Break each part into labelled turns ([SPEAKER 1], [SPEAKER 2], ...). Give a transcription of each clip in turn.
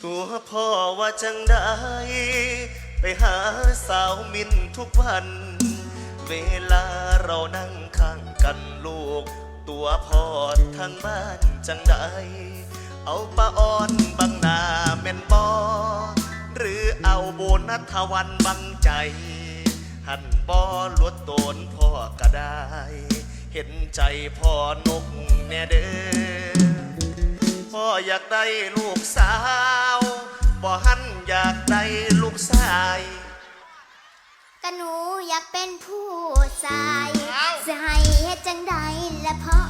[SPEAKER 1] ตัวพ่อว่าจังได้ไปหาสาวมินทุกวัน เวลาเรานั่งข้างกันลูก ตัวพ่อทางบ้านจังได้เอาปะอ่อนบังหน้าแม่นบอหรือเอาโบนัสทวันบังใจ หันบอลวดโตนพ่อก็ได้ เห็นใจพ่อนกแน่เด้อพ่ออยากได้ลูกสาวบ่หันอยากได้ลูกชาย
[SPEAKER 2] ก็หนูอยากเป็นผู้ชายจะให้เฮ็ดจังใดและเพราะ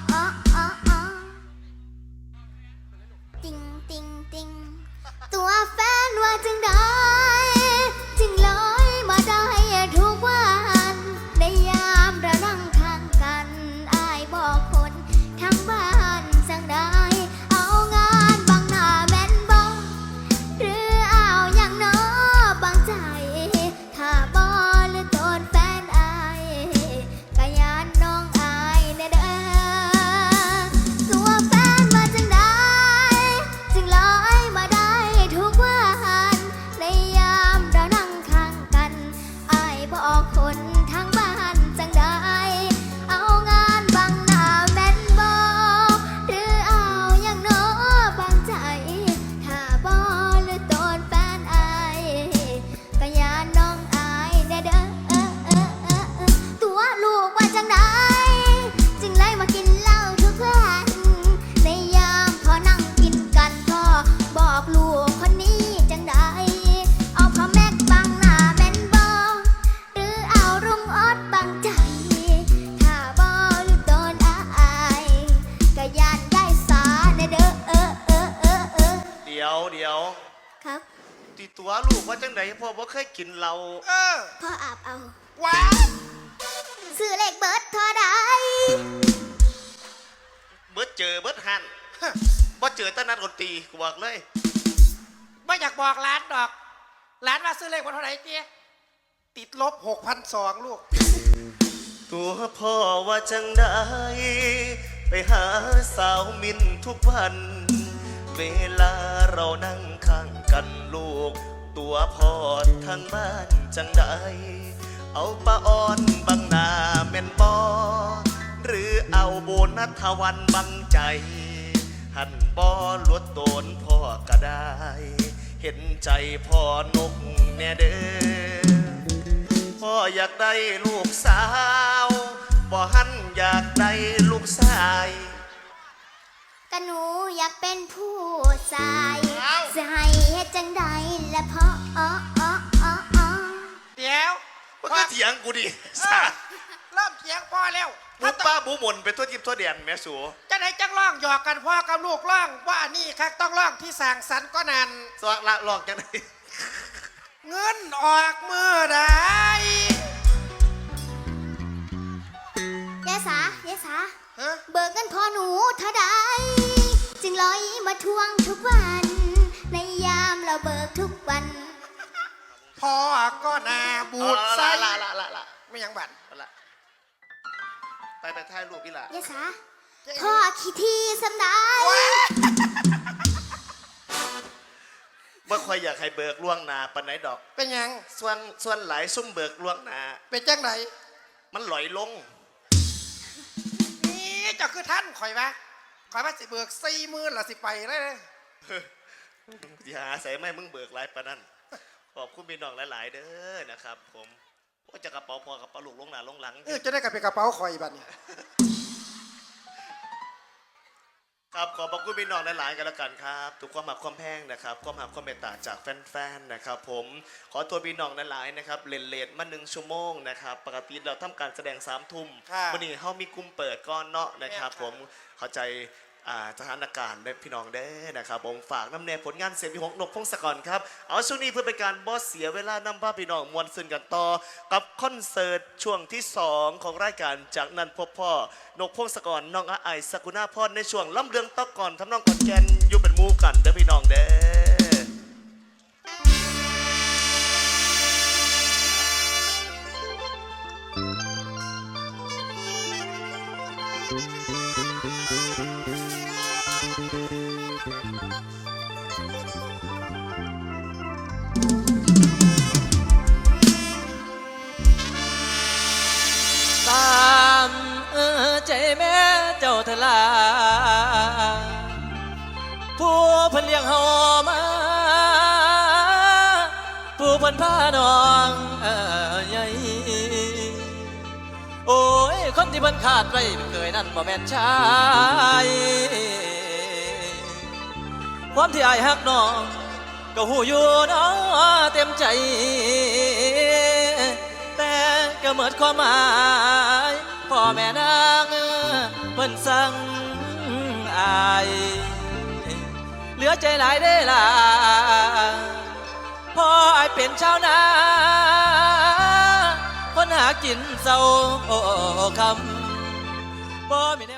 [SPEAKER 2] ติงติงติงตัวแฟนว่าจังใดจึงลอยมาได้ทุกวันในยามเรานั่งข้างกันอ้ายบอกคนทั้งบ้านจังใดเอางานบางหน้าแม่นบ่หรือเอาอย่างน้อบางใจถ้าบ่หรือโดนแฟนอายก็ยานน้องอายแน่เด้อตัวแฟนมาจังใดจึงลอยมาได้ทุกวันในยามเรานั่งข้างกันอายบอกคนทั้งบ้านจังใดเอางานบางหน้าแม่นบ่หรือเอาอย่างน้อบางใจถ้าบ่หรือโดนแฟนอายก็ยานน้องอายแน่เด้อตัวลูกว่าจังใดจึงเลยมากินเหล้าทุกวันในยามพอนั่งกินกันพ่อบอกลูกคนนี้จังใดเอาพ่อแม็กบังหน้าแม่นบ่หรือเอารุ่งออดบังใจถ้าบ่หรือโดนอายก็ยานได้สาแน่เด้อ
[SPEAKER 1] เดี๋ยว
[SPEAKER 2] ครับ
[SPEAKER 1] ตีตัวลูกว่าจังไดพ่อบ่เคยกินเหล้า
[SPEAKER 2] พ่ออาบเอา
[SPEAKER 3] ว้า
[SPEAKER 2] ซื้อเลขเบิร์ดเท่าใด
[SPEAKER 1] เบิดเจอเบิดหันบ่เจอตะนัดดนตรีกูบอกเลย
[SPEAKER 3] ไม่อยากบอกร้านดอกร้านว่าซื้อเลขวันเท่าไหร่เจ๊ติดลบ6,200ลูก
[SPEAKER 1] ตัวพ่อว่าจังได้ไปหาสาวมินทุกวัน เวลาเรานั่งข้างกันลูก ตัวพ่อทางบ้านจังได้เอาปะอ่อนบังหน้าแม่นบอหรือเอาโบนัสทวันบังใจ หันบอลวดโตนพ่อก็ได้ เห็นใจพ่อนกแน่เด้อพ่ออยากได้ลูกสาวบ่หันอยากได้ลูกชาย
[SPEAKER 2] ก็หนูอยากเป็นผู้ชายจะให้เฮ็ดจังใดและเพราะ
[SPEAKER 3] เดี๋ยว
[SPEAKER 1] มันก็เถียงกูดิ
[SPEAKER 3] เริ่มเถียงพ่อแล้ว
[SPEAKER 1] บุป้าบุหมนเป็นตัวยิบตัวเดียนแม่สู
[SPEAKER 3] จะไหนจังร้องหยอกกันพ่อกับลูกร้องว่านี่ครับต้องร้องที่สั่งสรรค์ก็นัน
[SPEAKER 1] สวักละลอกจังไหน
[SPEAKER 3] เงินออกมือได้
[SPEAKER 2] ยายสเบิกเงินพ่อหนูเท่าใดจึงลอยมาทวงทุกวันในยามเราเบิกทุกวัน
[SPEAKER 3] พ่อก็นาบูดไส้ไม่ยังบัด
[SPEAKER 1] ไปถ่ายรูปพี่ละ
[SPEAKER 2] ยายสาพ่อขี้ที่สำได้
[SPEAKER 1] เมื่อคอยอยากให้เบิกล่วงหน้าปันไหนดอก
[SPEAKER 3] เป็นยัง
[SPEAKER 1] ส่วนหลายซุ่มเบิกล่วงหน้า
[SPEAKER 3] เป็นจังไหน
[SPEAKER 1] มันหลอยลง
[SPEAKER 3] นี่เจ้าคือท่านข่อยว่าสิเบิก40,000ละสิไปเลย
[SPEAKER 1] อย่าใส่ไม่มึงเบิกหลายปะนั่นขอบคุณพี่น้องหลายๆเด้อนะครับผมว่าจะกระเป๋าพอกระเป๋าลูกลงหน้าลงหลัง
[SPEAKER 3] จะได้กลับไปกระเป๋าข่อยบัดนี้
[SPEAKER 1] ครับขอบคุณพี่น้องหลายๆกันแล้วกันครับทุกความหักความแพงนะครับความหักความเมตตาจากแฟนๆนะครับผมขอตัวพี่น้องหลายๆนะครับเลทมา1 ชั่วโมงนะครับปกติเราทำการแสดง3 ทุ่มวันนี้เขามีกลุ่มเปิดก้อนเนาะนะครับผมเข้าใจสถานการณ์ได้พี่น้องได้นะครับผมฝากน้ำเนยผลงานเสียงพี่หกนกพงศกรครับเอาช่วงนี้เพื่อเป็นการบอสเสียเวลานำพาพี่น้องมวลซึนกันต่อกับคอนเสิร์ตช่วงที่2ของรายการจากนั้นพบพ่อนกพงศกรน้องอาไอสกุณาพรในช่วงล้ำเรืองตอกก่อนทำน้องกอดแกนอยู่เป็นมูกันเด้อพี่น้องเด้อ
[SPEAKER 4] ตามใจแม่เจ้าเถอะลาผู้เพิ่นเลี้ยงเฮามา ผู้เพิ่นพาน้องใหญ่โอ้ยคนที่เพิ่นขาดไว้เคยนั่นบ่แม่นชายความที่อายฮักน้องก็หูอยู่เนาะเต็มใจแต่ก็หมดความหมายพ่อแม่นางเพิ่นสั่งอายเหลือใจหลายได้ล่ะพ่ออายเป็นชาวนาคนหากินเศร้าคำบ่มีแนว